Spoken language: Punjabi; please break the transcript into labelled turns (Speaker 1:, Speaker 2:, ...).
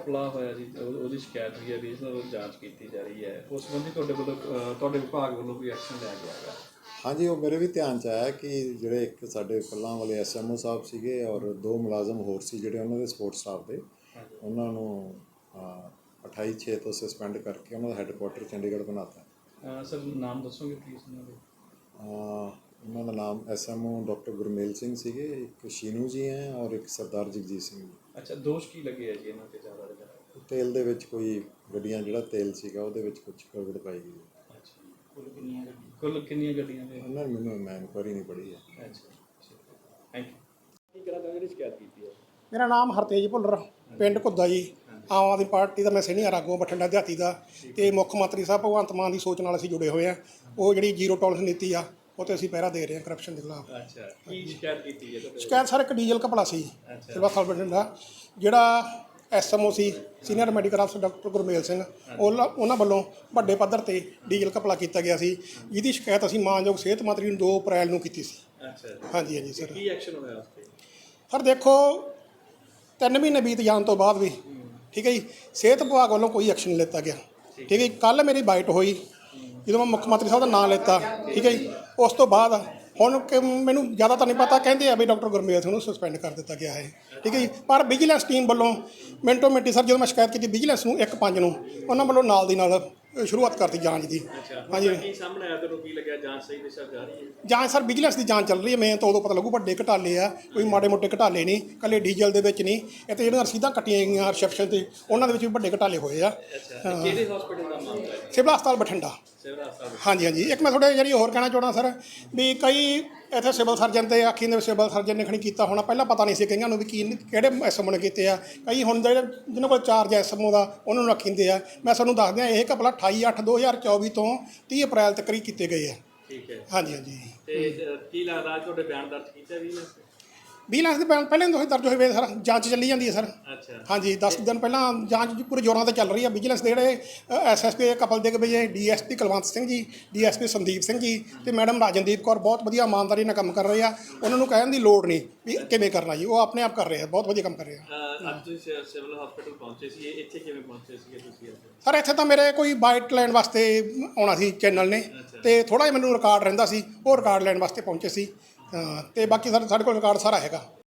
Speaker 1: ਕਪਲਾ ਹੋਇਆ ਜੀ ਉਹਦੀ ਸ਼ਿਕਾਇਤ ਹੋਈ ਹੈ, ਰੀਜਨਲ ਜਾਂਚ ਕੀਤੀ ਜਾ ਰਹੀ ਹੈ, ਉਸ ਸੰਬੰਧੀ ਤੁਹਾਡੇ ਵੱਲੋਂ ਤੁਹਾਡੇ ਵਿਭਾਗ ਵੱਲੋਂ ਕੋਈ ਐਕਸ਼ਨ ਲਿਆ ਗਿਆ ਹੈਗਾ?
Speaker 2: ਹਾਂਜੀ, ਉਹ ਮੇਰੇ ਵੀ ਧਿਆਨ 'ਚ ਆਇਆ ਕਿ ਜਿਹੜੇ ਇੱਕ ਸਾਡੇ ਕੱਲਾਂ ਵਾਲੇ SMO ਸਾਹਿਬ ਸੀਗੇ ਔਰ 2 ਮੁਲਾਜ਼ਮ ਹੋਰ ਸੀ ਜਿਹੜੇ ਉਹਨਾਂ ਦੇ ਸਪੋਰਟ ਸਟਾਫ ਦੇ, ਉਹਨਾਂ ਨੂੰ 28/6 ਤੋਂ ਸਸਪੈਂਡ ਕਰਕੇ ਉਹਨਾਂ ਦਾ ਹੈੱਡਕੁਆਟਰ ਚੰਡੀਗੜ੍ਹ ਬਣਾਤਾ।
Speaker 1: ਸਰ ਨਾਮ ਦੱਸੋਗੇ ਪਲੀਜ਼ ਉਹਨਾਂ ਦੇ?
Speaker 2: ਉਹਨਾਂ ਦਾ ਨਾਮ SMO ਡਾਕਟਰ ਗੁਰਮੇਲ ਸਿੰਘ ਸੀਗੇ, ਇੱਕ ਸ਼ੀਨੂ ਜੀ ਹੈ ਔਰ ਇੱਕ ਸਰਦਾਰ ਜਗਜੀਤ ਸਿੰਘ ਜੀ।
Speaker 1: ਅੱਛਾ, ਦੋਸ਼ ਕੀ ਲੱਗੇ ਹੈ ਜੀ ਇਹਨਾਂ 'ਤੇ ਜ਼ਿਆਦਾ?
Speaker 2: ਤੇਲ ਦੇ ਵਿੱਚ ਕੋਈ ਗੱਡੀਆਂ ਜਿਹੜਾ ਤੇਲ ਸੀਗਾ ਉਹਦੇ ਵਿੱਚ ਕੁਝ ਗੜਬੜ ਪਾਈ ਗਈ।
Speaker 1: ਅੱਛਾ, ਕੁੱਲ ਕਿੰਨੀਆਂ ਗੱਡੀਆਂ ਨੇ?
Speaker 2: ਉਹਨਾਂ ਨੇ ਮੈਂ ਇਨਕੁਆਇਰੀ ਨਹੀਂ ਪੜ੍ਹੀ ਹੈ।
Speaker 1: ਅੱਛਾ, ਥੈਂਕ ਯੂ। ਕੀ ਕਰਾਂ ਤਾਂ ਜਿਹੜੀ ਸ਼ਿਕਾਇਤ ਕੀਤੀ ਹੈ?
Speaker 3: ਮੇਰਾ ਨਾਮ ਹਰਤੇਜ ਭੁੱਲਰ, ਪਿੰਡ ਘੁੱਦਾ ਜੀ। ਆਮ ਆਦਮੀ ਪਾਰਟੀ ਦਾ ਮੈਂ ਸੀਨੀਅਰ ਆਗੂ ਬਠਿੰਡਾ ਦਿਹਾਤੀ ਦਾ, ਅਤੇ ਮੁੱਖ ਮੰਤਰੀ ਸਾਹਿਬ ਭਗਵੰਤ ਮਾਨ ਦੀ ਸੋਚ ਨਾਲ ਅਸੀਂ ਜੁੜੇ ਹੋਏ ਹਾਂ। ਉਹ ਜਿਹੜੀ ਜ਼ੀਰੋ ਟੋਲਰੈਂਸ ਨੀਤੀ ਆ ਉਹ 'ਤੇ ਅਸੀਂ ਪਹਿਰਾ ਦੇ ਰਹੇ ਹਾਂ ਕਰਪਸ਼ਨ ਦੇ ਖਿਲਾਫ।
Speaker 1: ਅੱਛਾ, ਕੀ ਸ਼ਿਕਾਇਤ ਕੀਤੀ ਹੈ ਤੁਹਾਡੇ?
Speaker 3: ਸ਼ਿਕਾਇਤ ਸਰ ਇੱਕ ਡੀਜ਼ਲ ਘਪਲਾ ਸੀ ਸਿਵਲ ਹਸਪਤਾਲ ਬਠਿੰਡਾ, ਜਿਹੜਾ SMO ਸੀ ਸੀਨੀਅਰ ਮੈਡੀਕਲ ਅਫਸਰ ਡਾਕਟਰ ਗੁਰਮੇਲ ਸਿੰਘ, ਉਹਨਾਂ ਵੱਲੋਂ ਵੱਡੇ ਪੱਧਰ 'ਤੇ ਡੀਜ਼ਲ ਘਪਲਾ ਕੀਤਾ ਗਿਆ ਸੀ, ਜਿਹਦੀ ਸ਼ਿਕਾਇਤ ਅਸੀਂ ਮਾਨਯੋਗ ਸਿਹਤ ਮੰਤਰੀ ਨੂੰ 2 ਅਪ੍ਰੈਲ ਨੂੰ ਕੀਤੀ ਸੀ।
Speaker 1: ਅੱਛਾ,
Speaker 3: ਹਾਂਜੀ ਹਾਂਜੀ ਸਰ।
Speaker 1: ਕੀ ਐਕਸ਼ਨ ਹੋਇਆ ਉਸ 'ਤੇ?
Speaker 3: ਸਰ ਦੇਖੋ, 3 ਮਹੀਨੇ ਬੀਤ ਜਾਣ ਤੋਂ ਬਾਅਦ ਵੀ ਠੀਕ ਹੈ ਜੀ, ਸਿਹਤ ਵਿਭਾਗ ਵੱਲੋਂ ਕੋਈ ਐਕਸ਼ਨ ਨਹੀਂ ਲਿੱਤਾ ਗਿਆ। ਠੀਕ ਹੈ ਜੀ, ਕੱਲ੍ਹ ਮੇਰੀ ਬਾਈਟ ਹੋਈ ਜਦੋਂ ਮੈਂ ਮੁੱਖ ਮੰਤਰੀ ਸਾਹਿਬ ਦਾ ਨਾਂ ਲਿੱਤਾ, ਠੀਕ ਹੈ ਜੀ, ਉਸ ਤੋਂ ਬਾਅਦ ਹੁਣ ਮੈਨੂੰ ਜ਼ਿਆਦਾ ਤਾਂ ਨਹੀਂ ਪਤਾ, ਕਹਿੰਦੇ ਆ ਵੀ ਡਾਕਟਰ ਗੁਰਮੇਲ ਸਿੰਘ ਨੂੰ ਸਸਪੈਂਡ ਕਰ ਦਿੱਤਾ ਗਿਆ ਹੈ। ਠੀਕ ਹੈ ਜੀ, ਪਰ ਵਿਜੀਲੈਂਸ ਟੀਮ ਵੱਲੋਂ ਮਿੰਟੋ ਮਿੰਟੀ ਸਰ ਜਦੋਂ ਮੈਂ ਸ਼ਿਕਾਇਤ ਕੀਤੀ ਵਿਜੀਲੈਂਸ ਨੂੰ 1/5 ਨੂੰ, ਉਹਨਾਂ ਵੱਲੋਂ ਨਾਲ ਦੀ ਨਾਲ ਸ਼ੁਰੂਆਤ ਕਰਤੀ ਜਾਂਚ ਦੀ।
Speaker 1: ਹਾਂਜੀ, ਕੀ ਸਾਹਮਣੇ ਆਇਆ? ਤੁਹਾਨੂੰ ਕੀ ਲੱਗਿਆ ਜਾਂਚ ਸਹੀ ਦਿਸ਼ਾ ਜਾ ਰਹੀ ਹੈ?
Speaker 3: ਜਾਂਚ ਸਰ ਵਿਜੀਲੈਂਸ ਦੀ ਜਾਂਚ ਚੱਲ ਰਹੀ ਹੈ, ਮੈਂ ਤਾਂ ਉਦੋਂ ਪਤਾ ਲੱਗੂ ਵੱਡੇ ਘਟਾਲੇ ਆ, ਕੋਈ ਮਾੜੇ ਮੋਟੇ ਘਟਾਲੇ ਨਹੀਂ, ਇਕੱਲੇ ਡੀਜ਼ਲ ਦੇ ਵਿੱਚ ਨਹੀਂ, ਇਹ ਤਾਂ ਜਿਹੜੀਆਂ ਰਸੀਦਾਂ ਕੱਟੀਆਂ ਗਈਆਂ ਰਿਸੈਪਸ਼ਨ 'ਤੇ ਉਹਨਾਂ ਦੇ ਵਿੱਚ ਵੀ ਵੱਡੇ ਘਟਾਲੇ ਹੋਏ ਆ।
Speaker 1: ਕਿਹੜੇ ਹਸਪੀਟਲ ਦਾ ਮਾਮਲਾ ਹੈ?
Speaker 3: ਸਿਵਲ ਹਸਪਤਾਲ ਬਠਿੰਡਾ। ਹਾਂਜੀ ਹਾਂਜੀ। ਇੱਕ ਮੈਂ ਤੁਹਾਡੇ ਜਿਹੜੀ ਹੋਰ ਕਹਿਣਾ ਚਾਹੁੰਦਾ ਸਰ, ਵੀ ਕਈ ਇੱਥੇ ਸਿਵਲ ਸਰਜਨ 'ਤੇ ਆਖੀ ਦੇ ਸਿਵਲ ਸਰਜਨ ਨੇ ਖਣੀ ਕੀਤਾ ਹੋਣਾ, ਪਹਿਲਾਂ ਪਤਾ ਨਹੀਂ ਸੀ ਕਈਆਂ ਨੂੰ ਵੀ ਕਿਹੜੇ SMO ਨੇ ਕੀਤੇ ਆ। ਕਈ ਹੁਣ ਜਿਹੜੇ ਜਿਹਨਾਂ ਕੋਲ ਚਾਰਜ SMO ਦਾ ਉਹਨਾਂ ਨੂੰ ਆਖੀਂਦੇ ਆ। ਮੈਂ ਤੁਹਾਨੂੰ ਦੱਸ ਦਿਆਂ, ਇਹ ਘਪਲਾ 28/8/2024 ਤੋਂ 30 ਅਪ੍ਰੈਲ ਤੱਕ ਹੀ ਕੀਤੇ ਗਏ ਆ।
Speaker 1: ਠੀਕ ਹੈ।
Speaker 3: ਹਾਂਜੀ ਹਾਂਜੀ।
Speaker 1: ਤੇ ਕੀ ਲੱਗਦਾ ਤੁਹਾਡੇ ਬਿਆਨ ਦਰਜ ਕੀਤਾ ਵੀ?
Speaker 3: ਵਿਜੀਲੈਂਸ ਦੇ ਬਿਆਨ ਪਹਿਲਾਂ ਤੋਂ ਹੀ ਦਰਜ ਹੋਏ ਵੇ ਸਰ, ਜਾਂਚ ਚੱਲੀ ਜਾਂਦੀ ਹੈ ਸਰ।
Speaker 1: ਅੱਛਾ। ਹਾਂਜੀ,
Speaker 3: 10 ਦਿਨ ਪਹਿਲਾਂ ਜਾਂਚ ਪੂਰੇ ਜ਼ੋਰਾਂ 'ਤੇ ਚੱਲ ਰਹੀ ਹੈ। ਵਿਜੀਲੈਂਸ ਦੇ ਜਿਹੜੇ SSP ਕਪਲ ਦੇ ਵਜੇ DSP ਕੁਲਵੰਤ ਸਿੰਘ ਜੀ, DSP ਸੰਦੀਪ ਸਿੰਘ ਜੀ ਅਤੇ ਮੈਡਮ ਰਾਜਨਦੀਪ ਕੌਰ ਬਹੁਤ ਵਧੀਆ ਇਮਾਨਦਾਰੀ ਨਾਲ ਕੰਮ ਕਰ ਰਹੇ ਆ। ਉਹਨਾਂ ਨੂੰ ਕਹਿਣ ਦੀ ਲੋੜ ਨਹੀਂ ਵੀ ਕਿਵੇਂ ਕਰਨਾ ਜੀ, ਉਹ ਆਪਣੇ ਆਪ ਕਰ ਰਹੇ ਆ, ਬਹੁਤ ਵਧੀਆ ਕੰਮ ਕਰ ਰਹੇ ਆ।
Speaker 1: ਅੱਜ ਤੁਸੀਂ ਸਿਵਲ ਹਸਪੀਟਲ ਪਹੁੰਚੇ ਸੀ, ਇੱਥੇ ਕਿਵੇਂ ਪਹੁੰਚੇ ਸੀਗੇ ਤੁਸੀਂ?
Speaker 3: ਸਰ ਇੱਥੇ ਤਾਂ ਮੇਰੇ ਕੋਈ ਬਾਈਟ ਲੈਣ ਵਾਸਤੇ ਆਉਣਾ ਸੀ ਚੈਨਲ ਨੇ, ਅਤੇ ਥੋੜ੍ਹਾ ਜਿਹਾ ਮੈਨੂੰ ਰਿਕਾਰਡ ਰਹਿੰਦਾ ਸੀ, ਉਹ ਰਿਕਾਰਡ ਲੈਣ ਵਾਸਤੇ ਪਹੁੰਚੇ ਸੀ। ਅਤੇ ਬਾਕੀ ਸਾਡੇ ਕੋਲ ਰਿਕਾਰਡ ਸਾਰਾ ਹੈਗਾ।